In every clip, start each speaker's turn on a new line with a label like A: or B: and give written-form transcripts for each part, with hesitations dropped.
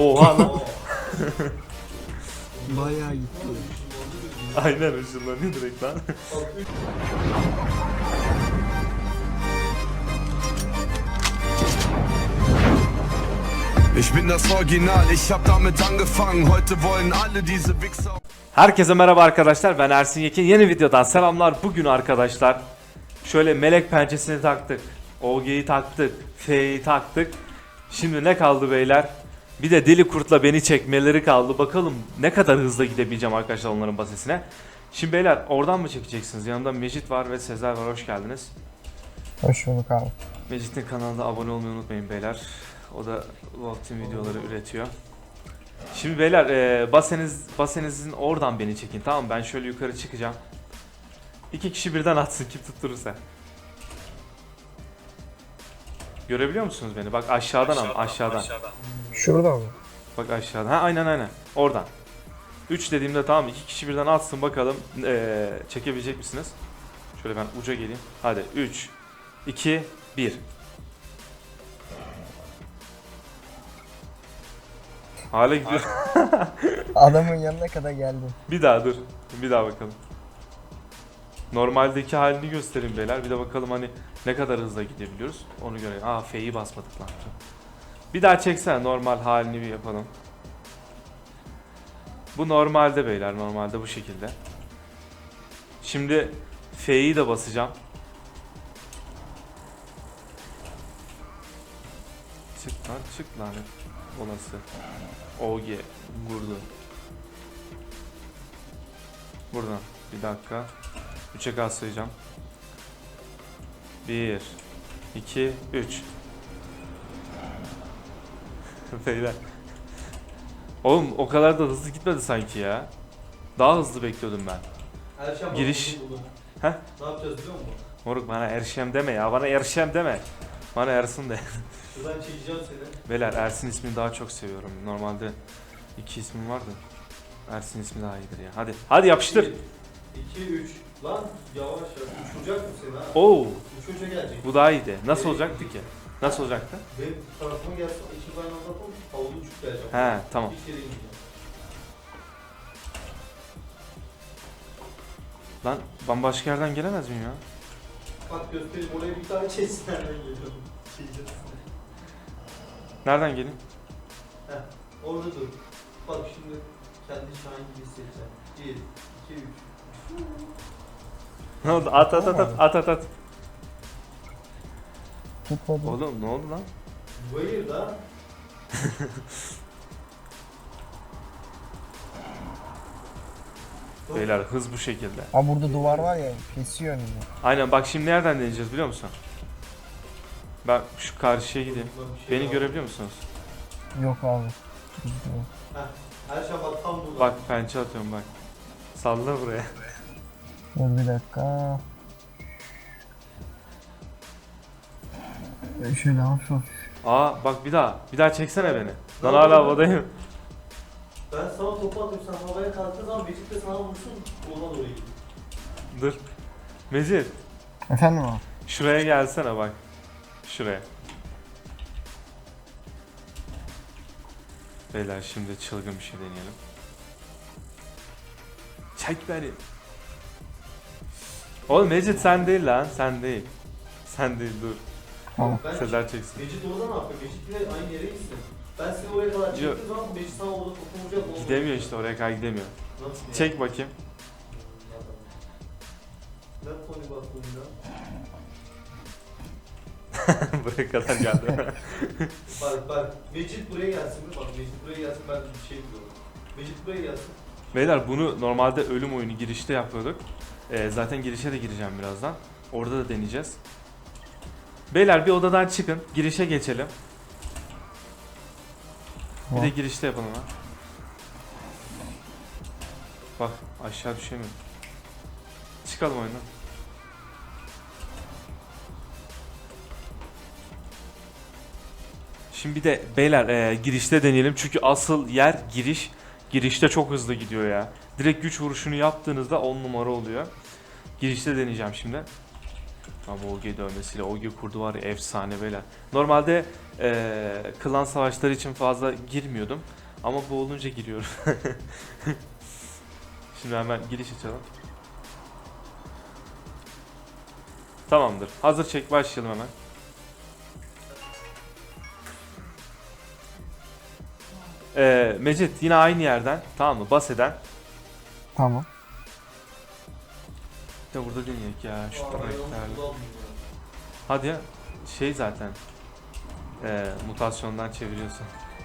A: Oha lan.
B: Bayağı gitti.
A: Aynen ışınlanıyor direkt lan.
C: Ich bin das Original, ich hab damit angefangen. Heute wollen alle diese Wichser.
A: Herkese merhaba arkadaşlar, ben Ersin Yekin. Yeni videodan selamlar. Bugün arkadaşlar şöyle melek pençesini taktık, OG'yi taktık, F'yi taktık. Şimdi ne kaldı beyler? Bir de deli kurtla beni çekmeleri kaldı. Bakalım ne kadar hızlı gidebileceğim arkadaşlar onların basesine. Şimdi beyler oradan mı çekeceksiniz? Yanımda Mecit var ve Sezer var, hoş geldiniz.
B: Hoş bulduk abi.
A: Mecit'in kanalına abone olmayı unutmayın beyler. O da Wolf Team videoları üretiyor. Şimdi beyler basenizin oradan beni çekin, tamam mı? Ben şöyle yukarı çıkacağım. 2 kişi birden atsın kim tutturursa. Görebiliyor musunuz beni? Bak aşağıdan ama aşağıdan.
B: Şurada mı?
A: Bak aşağıdan. Ha aynen. Oradan. 3 dediğimde tamam 2 kişi birden atsın bakalım çekebilecek misiniz? Şöyle ben uca geleyim. Hadi 3 2 1. Hala gidiyor.
B: Adamın yanına kadar geldim.
A: Bir daha dur. Bir daha bakalım. Normaldeki halini göstereyim beyler. Bir de bakalım hani ne kadar hızla gidebiliyoruz. Onu görelim. Aa F'yi basmadık lan. Bir daha çeksene, normal halini bir yapalım. Bu normalde beyler. Normalde bu şekilde. Şimdi F'yi de basacağım. Çık lanet olası. OG vurdu. Buradan bir dakika. 3'e gaz sayacağım. 1 2 3. Beyler. Oğlum o kadar da hızlı gitmedi sanki ya. Daha hızlı bekliyordum ben. Giriş. Heh.
D: Ne yapacağız biliyor musun?
A: Moruk bana Erşem deme ya. Bana Erşem deme. Bana Ersin de.
D: Şuradan çekeceğim seni.
A: Beyler Ersin ismini daha çok seviyorum. Normalde 2 ismim vardı. Ersin ismi daha iyidir ya. Hadi yapıştır.
D: 2, 3. Lan yavaş yavaş. Uçuracak mı seni ha?
A: Oo,
D: Uçurca gelecek.
A: bu daha iyiydi. Nasıl olacaktı ki? Nasıl olacaktı?
D: Benim tarafıma gelsin. İkimiz aynı anda yapalım. Havlu uçup geleceğim.
A: He, tamam.
D: Bir kere ineceğim.
A: Lan bambaşka yerden gelemez miyim ya?
D: Bak göstereyim. Oraya bir tane çesin. Nereden geliyorum? Çekeceğiz.
A: Nereden geleyim?
D: Heh. Orada dur. Bak şimdi kendi şahin gibi hissedeceğim. 1, 2, 3.
A: Ne oldu? At.
B: Tutmadı.
A: Oğlum ne oldu lan?
D: Hayır da.
A: Beyler hız bu şekilde.
B: Ha burada duvar var ya, kesiyor önünü.
A: Aynen bak şimdi nereden deneyeceğiz biliyor musun? Ben şu karşıya gideyim. Beni görebiliyor musunuz?
B: Yok abi.
D: Heh. Her şey bak tam burada.
A: Bak pençe atıyorum bak. Salla buraya.
B: Dur bir dakika. Şöyle hafif.
A: Aa bak bir daha çeksene beni. Lan hala havadayım.
D: Ben sana topu atıyorum. Sen havaya kalktığın zaman Becik de sana vursun. Ona doğru gidin.
A: Dur. Mecid
B: Efendim abi?
A: şuraya gelsene bak. Şuraya. Beyler şimdi çılgın bir şey deneyelim. Çek beni. Oğlum Mecid sen değil lan, sen değil. Sen değil, dur.
B: Tamam.
D: Ben
A: Sezer çeksin.
D: Becik orada ne yapıyor? Becik bile aynı yere gitsin. Ben seni oraya kadar çektiğim zaman Becik sana orada topu vuracak. olmuyor.
A: Gidemiyor işte, oraya kadar gidemiyor.
D: Nasıl yani?
A: Çek bakayım.
D: Ne konu bak bunda?
A: Buraya kadar geldi.
D: Bak Mecit buraya gelsin mi? Bak Mecit buraya gelsin, ben bir şey biliyorum. Mecit buraya gelsin.
A: Beyler bunu normalde ölüm oyunu girişte yapıyorduk. Zaten girişe de gireceğim birazdan. Orada da deneyeceğiz. Beyler bir odadan çıkın. Girişe geçelim. Bir de girişte yapalım ha. Bak aşağı düşemiyorum. Çıkalım oyundan. Şimdi bir de beyler girişte deneyelim. Çünkü asıl yer giriş. Girişte çok hızlı gidiyor ya. Direkt güç vuruşunu yaptığınızda 10 numara oluyor. Girişte deneyeceğim şimdi. Ama OG dövmesiyle OG kurdu var ya, efsane beyler. Normalde klan savaşları için fazla girmiyordum. Ama bu olunca giriyorum. Şimdi hemen giriş açalım. Tamamdır. Hazır çek, başlayalım hemen. Mecit yine aynı yerden, tamam mı? Bas eden.
B: Tamam.
A: De burada deneyek ya şu
D: Arabayı
A: taraftarlı.
D: kullanmıyor.
A: Hadi ya, şey zaten mutasyondan çeviriyorsun.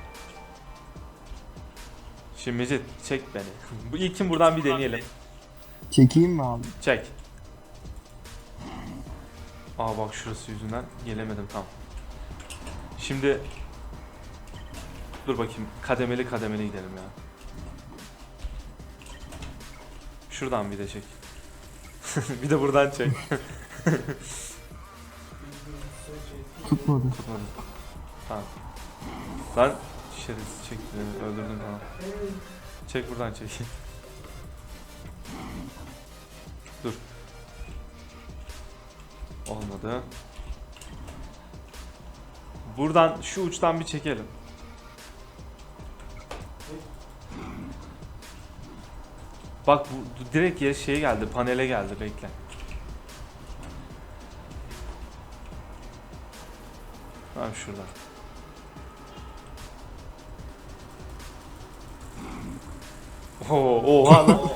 A: Şimdi Mecit çek beni. Bu ilkin buradan bir deneyelim.
B: Çekeyim mi abi?
A: Çek. Aa bak şurası yüzünden gelemedim tam. Şimdi dur bakayım, kademeli kademeli gidelim ya. Şuradan bir de çek. Bir de buradan çek.
B: Tutmadı.
A: Tutmadı. Tamam. Lan şerefsiz çekti beni, öldürdün tamam. Çek buradan çek. Dur. Olmadı. Buradan şu uçtan bir çekelim. Bak bu direkt ya şeye geldi, panele geldi, bekle. Tamam şuradan. Oha lan.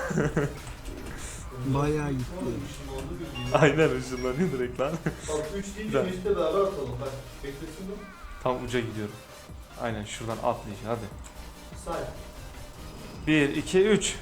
B: Bayağı gitti.
D: Işın oldu bir gün.
A: Aynen ışınlanıyor direkt lan.
D: Bak 3 deyince
A: Güzel.
D: Mesut'le beraber atalım. Bak beklesin mi?
A: Tam uca gidiyorum. Aynen şuradan atlayacağım hadi.
D: Say.
A: 1, 2, 3.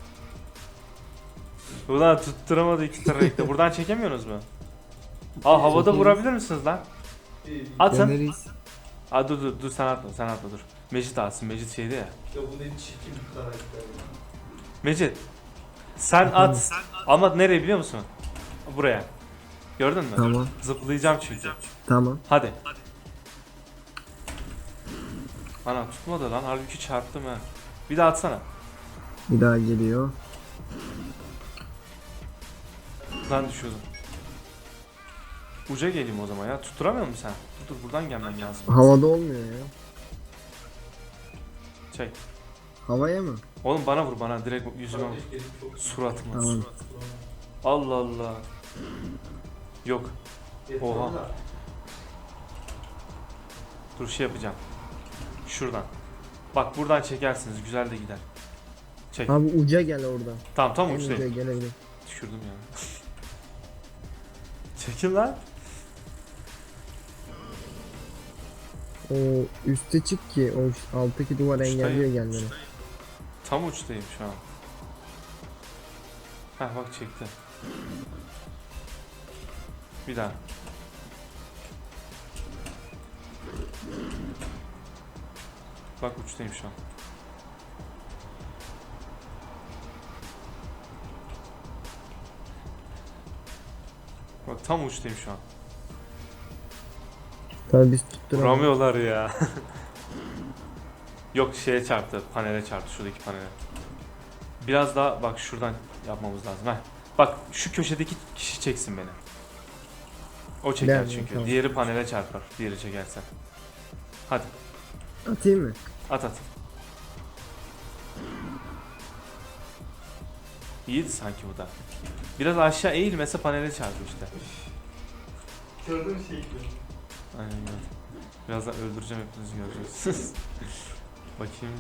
A: Ulan tutturamadı iki trafikte. Buradan çekemiyorsunuz mu? Aa havada
B: Çekelim.
A: vurabilir misiniz lan?
D: 1.
A: Atın.
B: Deneriz.
A: Aa dur sen atma dur. Mecit atsın, Mecit şeydi ya.
D: Ya bu ne çirkin bir karakter ya.
A: Mecit. Sen at. Ama nereye biliyor musun? Buraya. Gördün mü?
B: Tamam.
A: Zıplayacağım çünkü.
B: Tamam.
A: Hadi. Ana tutmadı lan, halbuki çarptım ha. Bir daha atsana.
B: Bir daha geliyor.
A: Buradan düşüyordum. Uca geleyim o zaman ya. Tutturamıyor musun sen? Dur buradan gelmen lazım.
B: Havada olmuyor ya.
A: Çek.
B: Havaya mı?
A: Oğlum bana vur, bana direkt yüzüme vur.
D: Kardeş gelip çok
A: Suratıma.
B: Tamam.
A: Allah Allah. Yok.
D: Yeter
A: Oha.
D: da.
A: Dur şey yapacağım. Şuradan. Bak buradan çekersiniz, güzel de gider. Çek.
B: Abi uca gel oradan.
A: Tamam tam
B: En uca
A: uçtayım.
B: gelebilir.
A: Düşürdüm ya. Çekil lan.
B: O üste çık ki o alttaki duvar engelliyor gelmeni.
A: Tam uçtayım şu an. Heh bak çekti. Bir daha. Bak uçtayım şu an. Bak tam uçtayım şu an.
B: Tabii biz tutturamayız.
A: Vuramıyorlar ya. Yok şeye çarptı, panele çarptı, şuradaki panele. Biraz daha bak şuradan yapmamız lazım. Heh. Bak şu köşedeki kişi çeksin beni. O çeker
B: Yani,
A: çünkü.
B: tamam.
A: Diğeri panele çarpar. Diğeri çekerse. Hadi
B: Atayım mı?
A: at. İyiydi sanki bu da. Biraz aşağı eğilmese panele çarpıyor işte.
D: Gördün mü şeyi?
A: Aynen öyle. Birazdan öldüreceğim, hepinizi göreceksiniz. Bakayım.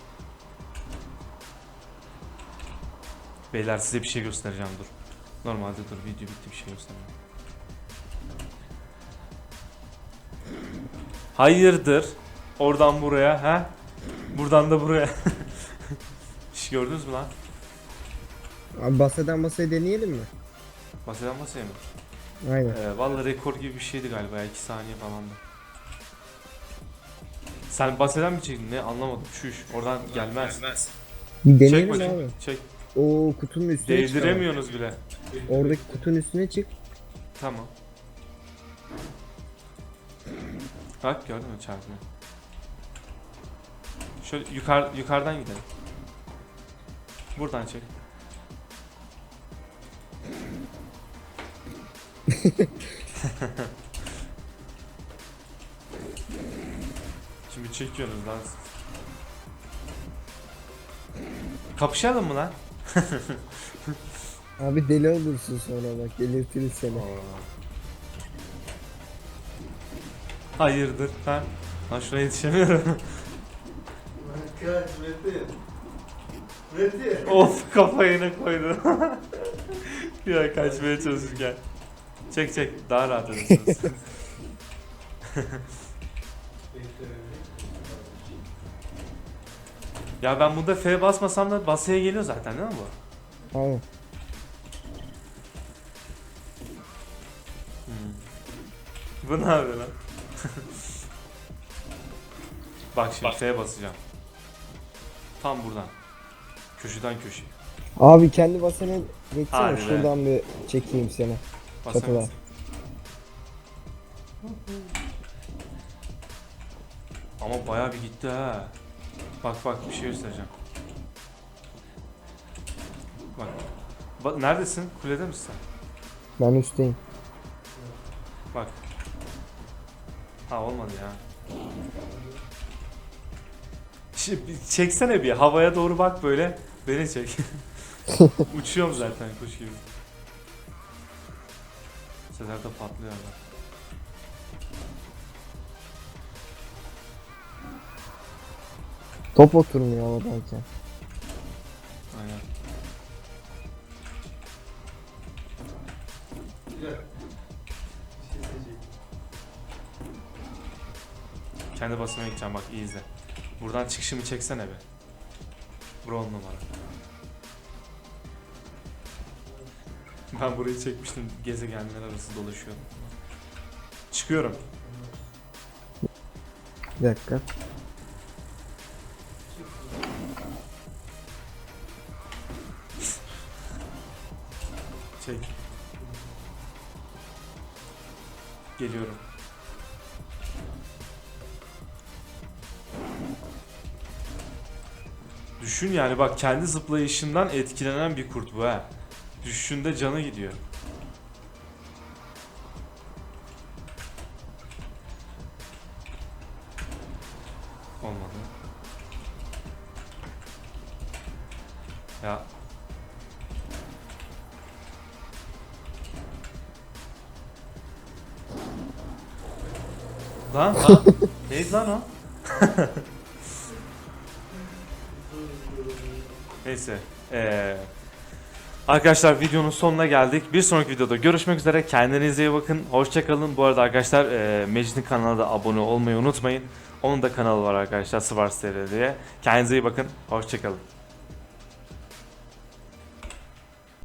A: Beyler size bir şey göstereceğim, dur. Normalde dur, video bitti, bir şey göstereceğim. Hayırdır? Oradan buraya, ha? Buradan da buraya. Hiç gördünüz mü lan?
B: Abi baseden basaya deneyelim mi?
A: Bahseden masaya mı?
B: Aynen.
A: Vallahi rekor gibi bir şeydi galiba, 2 saniye falan da. Sen bahseden mi çektin, ne anlamadım, şuş oradan gelmez.
B: Bir
A: Çek
B: deneyelim
A: bakayım,
B: abi.
A: çek.
B: O kutunun üstüne çık.
A: Değdiremiyorsunuz bile.
B: ama. Oradaki kutunun üstüne çık.
A: Tamam. Bak gördün mü çarpmayı? Şöyle yukarıdan gidelim. Buradan çek. Şimdi çekiyorsunuz lan. Kapışalım mı lan?
B: Abi deli olursun sonra bak delirtiriz seni.
A: Hayırdır ha? Lan şuna yetişemiyorum.
D: Kaç Metin. Metin.
A: Of kafayı ne koydu. Ya kaçmaya çalışırken. Çek daha rahat edersiniz. Ya ben burada F basmasam da basıya geliyor zaten değil mi bu?
B: Aynen.
A: Bu ne yapıyor lan? Bak şimdi F basacağım. Tam buradan. Köşeden köşeye.
B: Abi kendi basını geçsene
A: Hadi be.
B: şuradan bir çekeyim seni. Çatıda.
A: Basamazsın. Ama bayağı bir gitti ha. Bak bir şey göstereceğim. Bak neredesin? Kulede misin sen?
B: Ben üstteyim.
A: Bak. Ha olmadı ya. Çeksene bir havaya doğru bak böyle. Beni çek. Uçuyorum zaten kuş gibi. Sezer de patlıyor bak.
B: Top oturmuyor havadayken.
A: Aynen.
D: Güzel. Bir şey seçeyim.
A: Kendi basmaya gideceğim bak iyi izle. Buradan çıkışımı çeksene be. Bura 10 numara. Ben burayı çekmiştim. Gezegenler arası dolaşıyordum. Çıkıyorum.
B: Bir dakika.
A: Çek. Geliyorum. Düşün yani bak kendi zıplayışından etkilenen bir kurt bu ha. Düşüşünde canı gidiyor. Olmadı. Ya. Lan. Neydi lan o? Neyse. Arkadaşlar videonun sonuna geldik. Bir sonraki videoda görüşmek üzere. Kendinize iyi bakın. Hoşça kalın. Bu arada arkadaşlar Mecit'in kanalına da abone olmayı unutmayın. Onun da kanalı var arkadaşlar. Svars TR diye. Kendinize iyi bakın. Hoşça kalın.